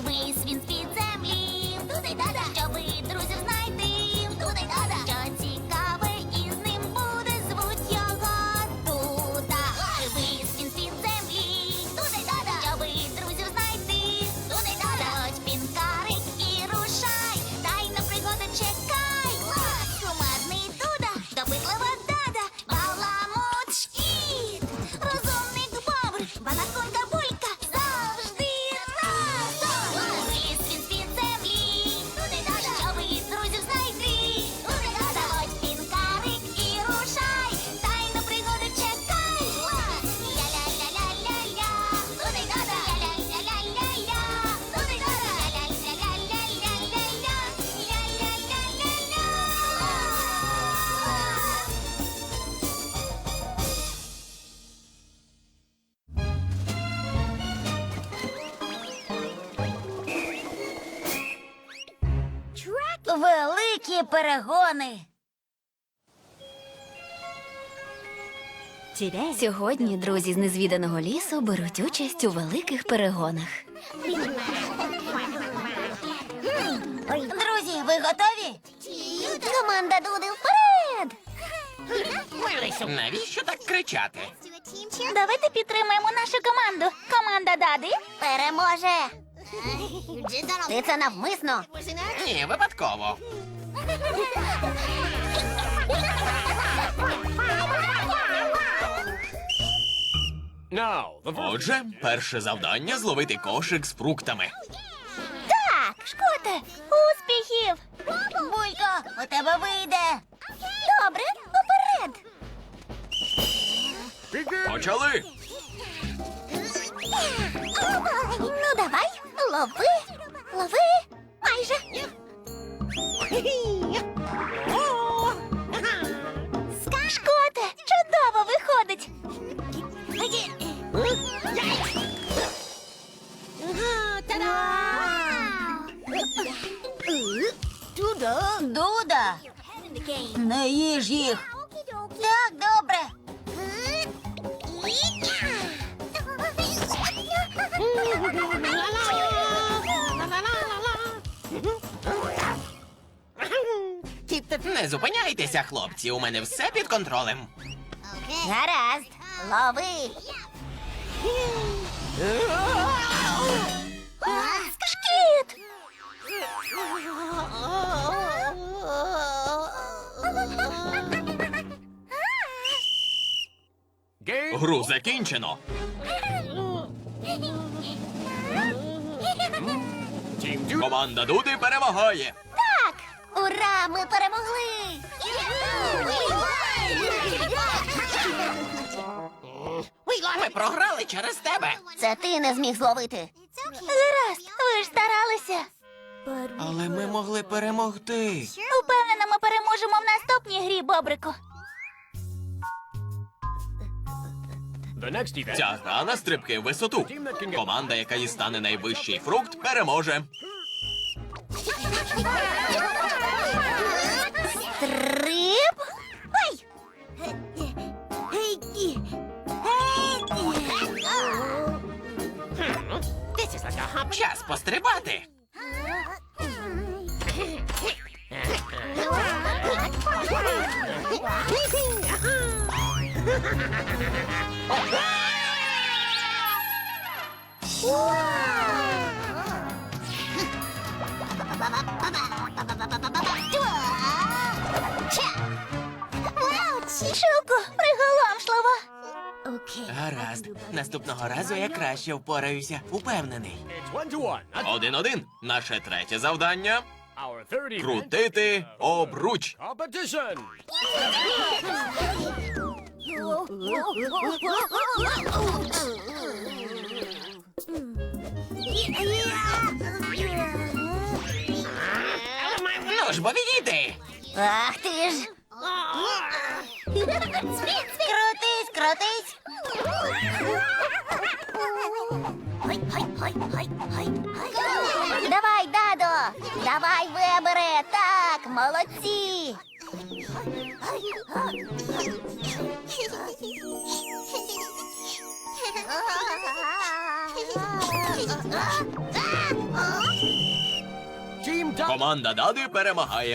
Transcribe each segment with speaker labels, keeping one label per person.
Speaker 1: Вись він з-під землі, туди-дада, щоби друзів знайти, туди-дада, що цікаве із ним буде, звуть його Дуда. Вись він з-під землі, туди-дада, щоби друзів знайти, туди-дада, ось пінкарик і рушай, дай на пригоди чекай. Кумедний Дуда, допитлива Дада, баламут шкіт, розумник Бобр, банаконка Булька, завжди разом. Виліз він з-під землі, туди-дада, щоби друзів знайти, туди-дада, ось пінкарик і рушай, дай на пригоди чекай. Ля-ля-ля-ля-ля-ля, туди-дада, ля-ля-ля-ля-ля-ля, туди-дада, ля-ля-ля-ля-ля-ля, ля-ля-ля-ля-ля. Великі перегони.
Speaker 2: Сьогодні друзі з незвіданого лісу беруть участь у великих перегонах.
Speaker 1: Друзі, ви готові? Команда Дуди вперед!
Speaker 3: Навіщо так кричати?
Speaker 1: Давайте підтримаємо нашу команду. Команда Дади переможе. Ти це навмисно.
Speaker 3: Ні, випадково. Отже, перше завдання зловити кошик з фруктами.
Speaker 1: Так, Шкоте, успіхів! Булько, у тебе вийде. Добре, уперед.
Speaker 3: Почали!
Speaker 1: Ну, давай, лови, лови, майже. Шкоте, чудово виходить. Дуда, не їж їх. Так, добре.
Speaker 3: Не зупиняйтеся, хлопці, у мене все під контролем.
Speaker 1: Гаразд, лови. Шкіт!
Speaker 3: Гру закінчено. Команда Дуди перемагає.
Speaker 1: Так! Ура! Ми перемогли!
Speaker 3: Ми програли через тебе.
Speaker 1: Це ти не зміг зловити. Гаразд, ви ж старалися.
Speaker 3: Але ми могли перемогти.
Speaker 1: Упевнена, ми переможемо в наступній грі, Бобрику.
Speaker 3: Ця гра на стрибки в висоту. Команда, яка дістане найвищий фрукт, переможе.
Speaker 1: Трип! Ой!
Speaker 3: Час пострибати.
Speaker 1: Шуку, приголомшливо.
Speaker 3: Гаразд. Наступного разу я краще впораюся. Упевнений. 1-1. Наше третє завдання – крутити обруч. Ну ж, бо відійди.
Speaker 1: Ах ти ж. Крутись, крутись. Давай, Дадо. Давай, Вебере. Так, молодці.
Speaker 3: Команда Дади перемагає.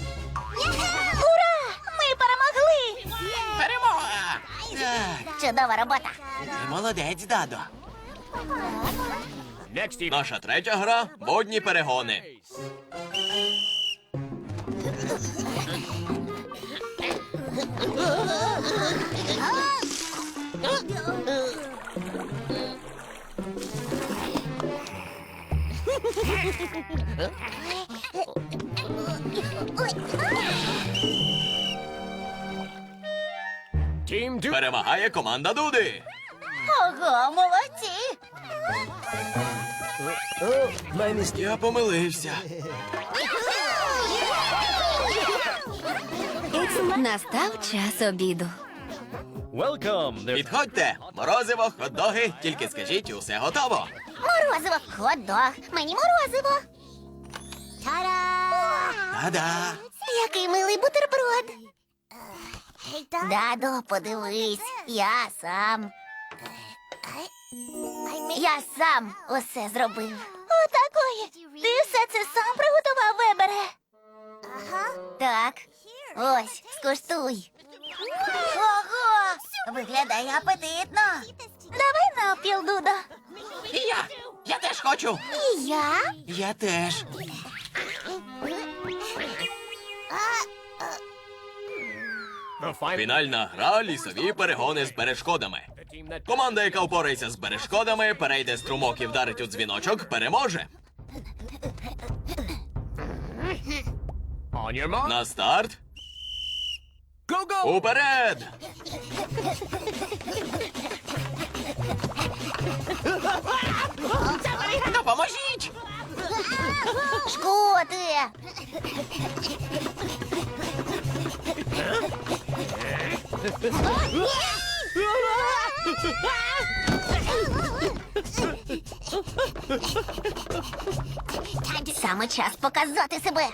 Speaker 1: Ура! Ми перемогли!
Speaker 3: Перемога! Так,
Speaker 1: Чудова робота!
Speaker 3: ти молодець, Дадо. Наша третя гра – водні перегони. Перемагає команда Дуди.
Speaker 1: Ого, молодці!
Speaker 3: Я помилився.
Speaker 2: Настав час обіду.
Speaker 3: Підходьте, морозиво, хот-доги, тільки скажіть, усе готово.
Speaker 1: Морозиво, хот-дог, мені морозиво.
Speaker 3: Та-да.
Speaker 1: Який милий бутерброд. Дадо, подивись, я сам усе зробив. Отакої. Ти все це сам приготував, Вебере? Так. Ось, скуштуй. Ого! Виглядає апетитно. Давай навпіл, Дудо.
Speaker 3: І я теж хочу.
Speaker 1: І я?
Speaker 3: Я теж. Фінальна гра – лісові перегони з перешкодами. Команда, яка впорається з перешкодами, перейде струмок і вдарить у дзвіночок, переможе. На старт. Уперед! Допоможіть!
Speaker 1: Шкоти! Саме час показати себе.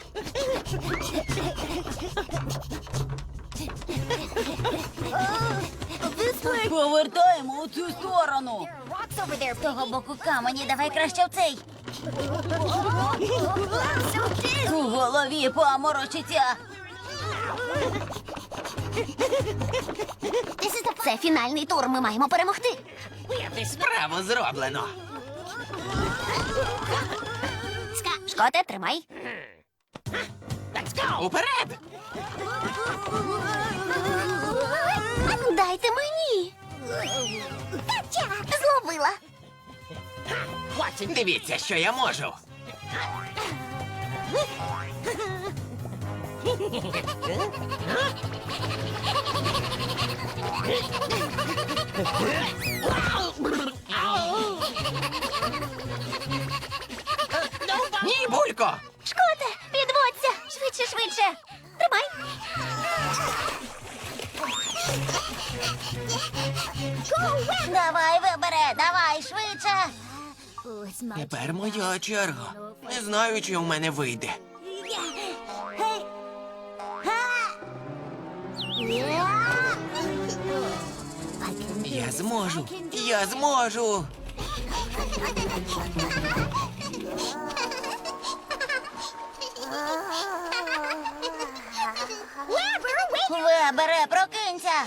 Speaker 4: Повертаємо у цю сторону.
Speaker 1: З того боку камені, давай краще в цей.
Speaker 4: У голові поморочиться.
Speaker 1: Це фінальний тур, ми маємо перемогти.
Speaker 3: Справу зроблено.
Speaker 1: Шкоте, тримай.
Speaker 3: Уперед!
Speaker 1: Дайте мені. Зловила.
Speaker 3: Дивіться, що я можу. Ні, Булько!
Speaker 1: Шкоте, підводься. Швидше, швидше. Тримай. Давай, Вебере, давай, швидше.
Speaker 3: Тепер моя черга. Не знаю, чи у мене вийде. Я зможу! Я зможу!
Speaker 1: Вебере, прокинься.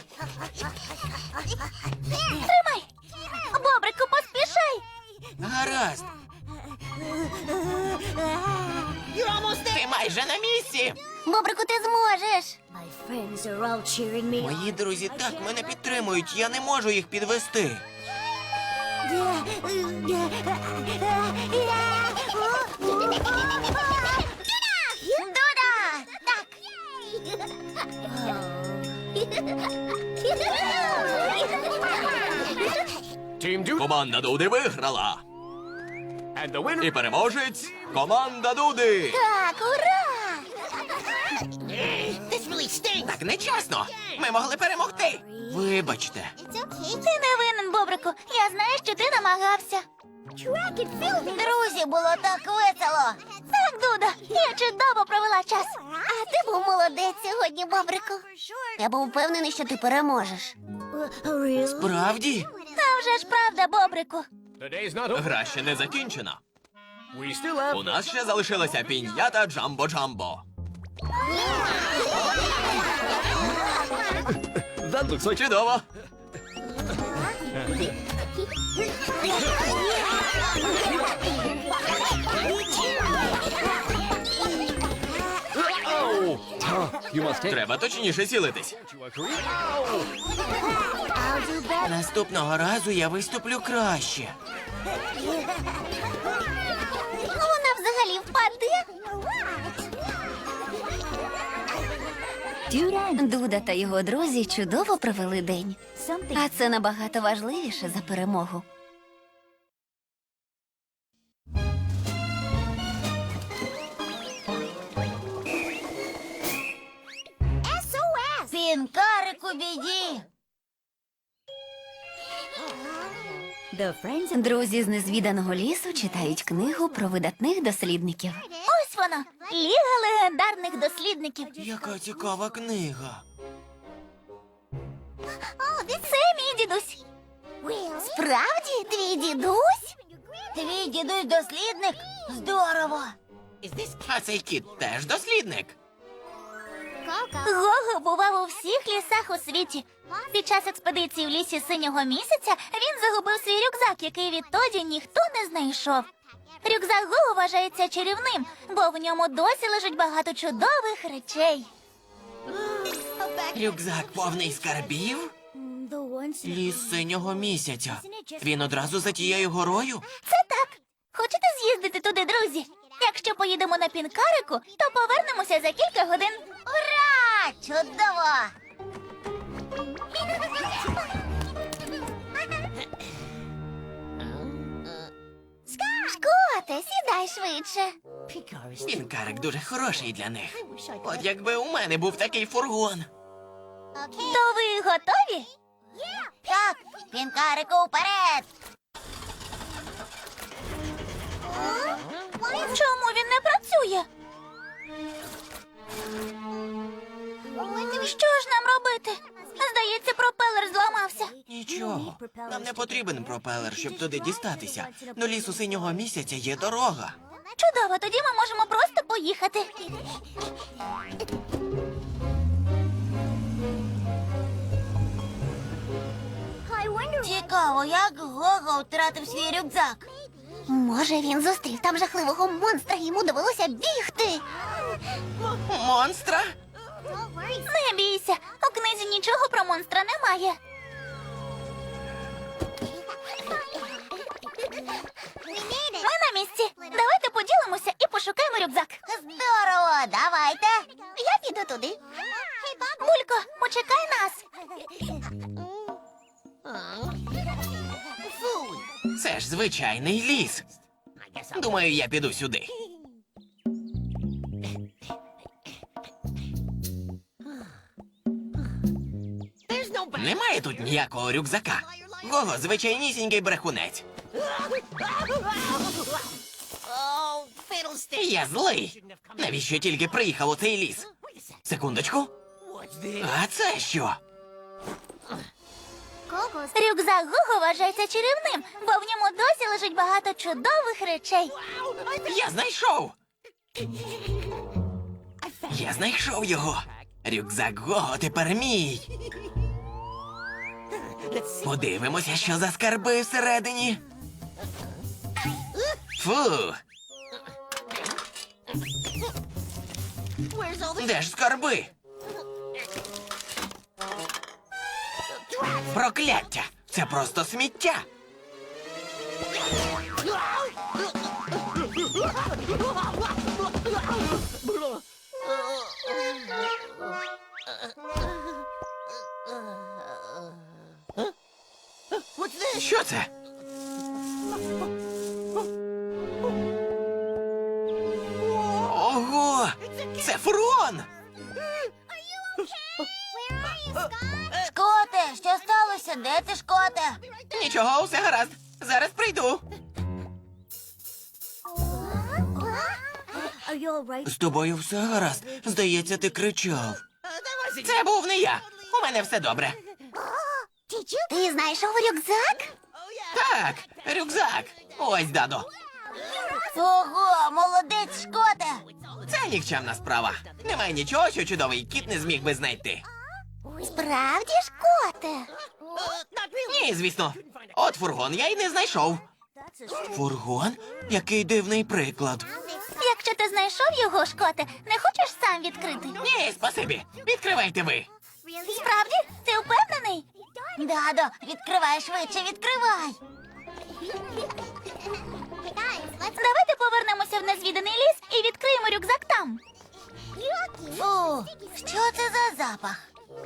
Speaker 1: Тримай. Бобрику, поспішай.
Speaker 3: Гаразд. Ти майже на місці.
Speaker 1: Бобрику, ти зможеш.
Speaker 3: Мої друзі так мене підтримують, я не можу їх підвести.
Speaker 1: Дуда! Так.
Speaker 3: Команда Дуди виграла. І переможець команда Дуди.
Speaker 1: Так, ура!
Speaker 3: Так нечесно. Ми могли перемогти. Вибачте.
Speaker 1: Ти не винен, Бобрику. Я знаю, що ти намагався. Друзі, було так весело. Так, Дуда, я чудово провела час. А ти був молодець сьогодні, Бобрику. Я був впевнений, що ти переможеш.
Speaker 3: Справді?
Speaker 1: Та вже ж правда, Бобрику.
Speaker 3: Гра ще не закінчена. У нас ще залишилася піньята Джамбо-Джамбо. Чудово! Треба точніше цілитись. Наступного разу я виступлю краще.
Speaker 1: Вона взагалі впаде.
Speaker 2: Дуда та його друзі чудово провели день. А це набагато важливіше за перемогу.
Speaker 1: СОС!
Speaker 4: Пінкарик у біді.
Speaker 2: Друзі з незвіданого лісу читають книгу про видатних дослідників.
Speaker 1: Ось вона, Ліга легендарних дослідників.
Speaker 3: Яка цікава книга.
Speaker 1: Це мій дідусь. Справді, твій дідусь?
Speaker 4: Твій дідусь дослідник? Здорово.
Speaker 3: А цей кіт теж дослідник.
Speaker 1: Гого бував у всіх лісах у світі. Під час експедиції в лісі синього місяця він загубив свій рюкзак, який відтоді ніхто не знайшов. Рюкзак Гого вважається чарівним, бо в ньому досі лежить багато чудових речей.
Speaker 3: Рюкзак повний скарбів? Ліс синього місяця. Він одразу за тією горою?
Speaker 1: Це так. Хочете з'їздити туди, друзі? Якщо поїдемо на пінкарику, то повернемося за кілька годин. Ура! Чудово! Шкоте, сідай швидше.
Speaker 3: Пінкарик дуже хороший для них. От якби у мене був такий фургон.
Speaker 1: То ви готові?
Speaker 4: Так, пінкарику вперед.
Speaker 1: Чому він не працює? Що ж нам робити? Здається, пропелер зламався.
Speaker 3: Нічого. Нам не потрібен пропелер, щоб туди дістатися. До лісу синього місяця є дорога.
Speaker 1: Чудово, тоді ми можемо просто поїхати.
Speaker 4: Цікаво, як Гого втратив свій рюкзак.
Speaker 1: Може, він зустрів там жахливого монстра, і йому довелося бігти.
Speaker 3: Монстра?
Speaker 1: Не бійся, у книзі нічого про монстра немає. Ми на місці. Давайте поділимося і пошукаємо рюкзак.
Speaker 4: Здорово, давайте.
Speaker 1: Я піду туди. Булько, почекай нас.
Speaker 3: Це ж звичайний ліс. Думаю, я піду сюди. Немає тут ніякого рюкзака. Гого звичайнісінький брехунець. Я злий. Навіщо тільки приїхав у цей ліс? Секундочку. А це що?
Speaker 1: Рюкзак Гого вважається чарівним, бо в ньому досі лежить багато чудових речей.
Speaker 3: Я знайшов! Я знайшов його! Рюкзак Гого тепер мій! Подивимося, що за скарби всередині. Фу! Де ж скарби? Прокляття! Це просто сміття! Що це? Ого! Це фургон!
Speaker 4: Шкоте, що сталося? Де ти, Шкоте?
Speaker 3: Нічого, все гаразд. Зараз прийду. З тобою все гаразд. Здається, ти кричав. Це був не я. У мене все добре.
Speaker 1: Ти знайшов рюкзак?
Speaker 3: Так, рюкзак. Ось, Дадо.
Speaker 4: Ого, молодець, Шкоте.
Speaker 3: Це нікчемна справа. Немає нічого, що чудовий кіт не зміг би знайти.
Speaker 1: Справді, Шкоте?
Speaker 3: Ні, звісно. От фургон я й не знайшов. Фургон? Який дивний приклад.
Speaker 1: Якщо ти знайшов його, Шкоте, не хочеш сам відкрити?
Speaker 3: Ні, спасибі. Відкривайте ви.
Speaker 1: Справді? Ти впевнений?
Speaker 4: Дадо, відкривай швидше, відкривай.
Speaker 1: Давайте повернемося в незвіданий ліс і відкриємо рюкзак там.
Speaker 4: Фу, що це за запах?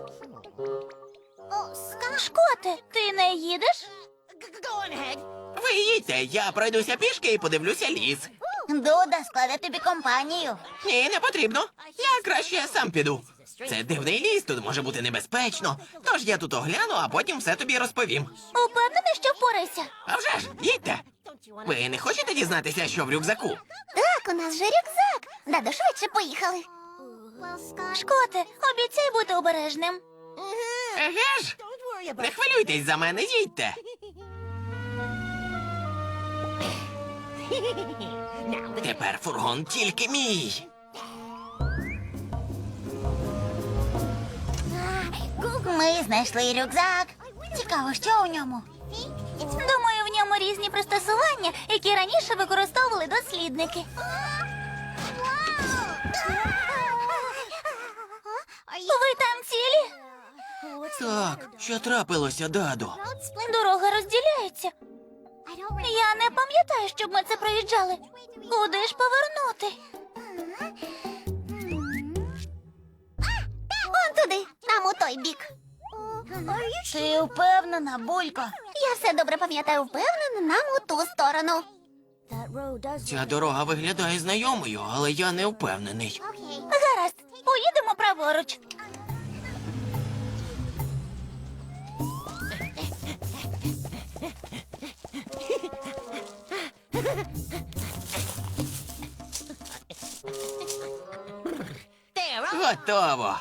Speaker 1: Шкоте, ти не їдеш?
Speaker 3: Ви їдьте, я пройдуся пішки і подивлюся ліс.
Speaker 4: Дуда складе тобі компанію.
Speaker 3: Ні, не потрібно. Я краще сам піду. Це дивний ліс, тут може бути небезпечно. Тож я тут огляну, а потім все тобі розповім.
Speaker 1: Упевнений, що впорайся?
Speaker 3: А вже ж, їдьте. Ви не хочете дізнатися, що в рюкзаку?
Speaker 1: Так, у нас же рюкзак. Дадо, швидше поїхали. Шкоте, обіцяй бути обережним.
Speaker 3: Еге ж? Не хвилюйтесь за мене, їдьте. Тепер фургон тільки мій.
Speaker 4: Ми знайшли рюкзак. Цікаво, що у ньому?
Speaker 1: Думаю, в ньому різні пристосування, які раніше використовували дослідники. Ви там цілі?
Speaker 3: Так, що трапилося, Дадо?
Speaker 1: Дорога розділяється. Я не пам'ятаю, щоб ми це проїжджали. Куди ж повернути? Он туди, там у той бік.
Speaker 4: Ти впевнена, Булько?
Speaker 1: Я все добре пам'ятаю, впевнена, нам у ту сторону.
Speaker 3: Ця дорога виглядає знайомою, але я не впевнений.
Speaker 1: Гаразд, поїдемо праворуч.
Speaker 3: Готово.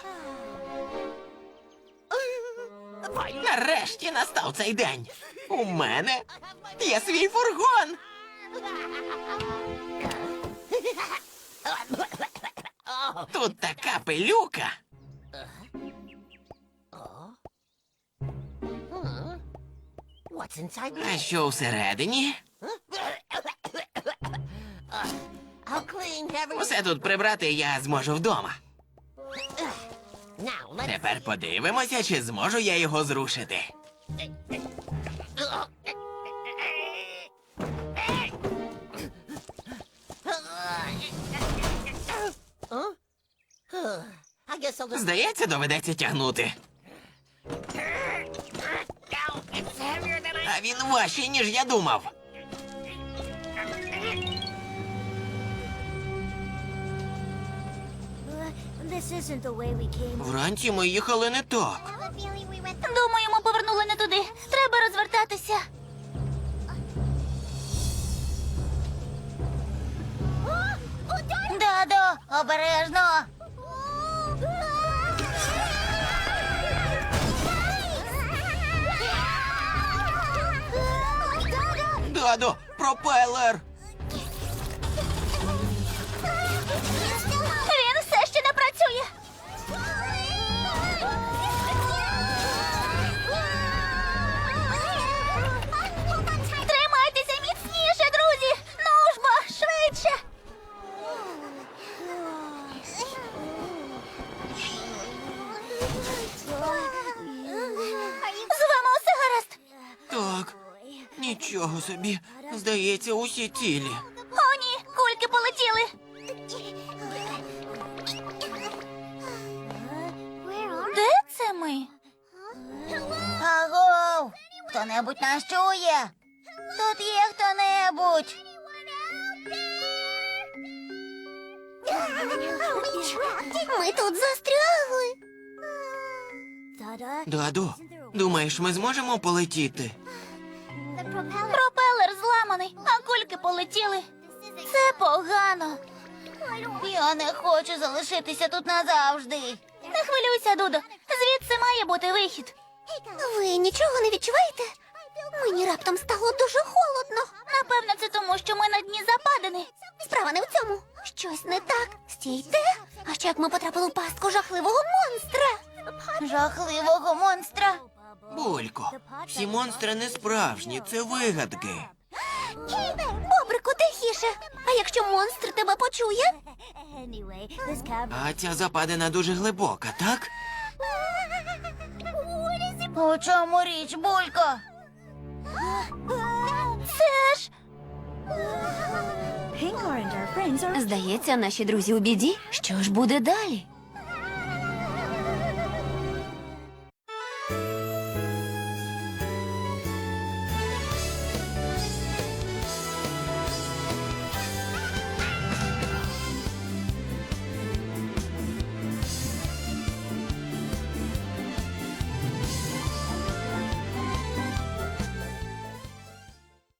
Speaker 3: Нарешті настав цей день. У мене є свій фургон. Тут така пилюка. А що всередині? Усе тут прибрати я зможу вдома. Тепер подивимося, чи зможу я його зрушити. Здається, доведеться тягнути. А він важчий, ніж я думав. Вранці ми їхали не так.
Speaker 1: Думаю, ми повернули не туди. Треба розвертатися.
Speaker 4: Дадо, обережно.
Speaker 3: Дадо, пропелер!
Speaker 1: Він все ще не працює. Тримайтеся міцніше, друзі! Ну ж бо, швидше! З вами усе гаразд?
Speaker 3: Так, нічого собі. Здається, усі цілі.
Speaker 1: О, ні, кульки полетіли. Де це ми?
Speaker 4: Агов! Хто-небудь нас чує? Тут є хто-небудь.
Speaker 1: Ми тут застрягли.
Speaker 3: Дадо, думаєш, ми зможемо полетіти?
Speaker 1: Пропелер зламаний, а кульки полетіли. Це погано.
Speaker 4: Я не хочу залишитися тут назавжди.
Speaker 1: Не хвилюйся, Дудо. Звідси має бути вихід. Ви нічого не відчуваєте? Мені
Speaker 2: раптом стало дуже холодно.
Speaker 1: Напевно, це тому, що ми на дні западини.
Speaker 2: Справа не в цьому. Щось не так. Стійте. А що як ми потрапили в пастку жахливого монстра?
Speaker 4: Жахливого монстра.
Speaker 5: Булько, всі монстри не справжні, це вигадки.
Speaker 2: Бобрику, тихіше. А якщо монстр тебе почує?
Speaker 5: А ця западина дуже глибока, так?
Speaker 4: У чому річ, Булько?
Speaker 2: Це ж... Здається, наші друзі у біді. Що ж буде далі?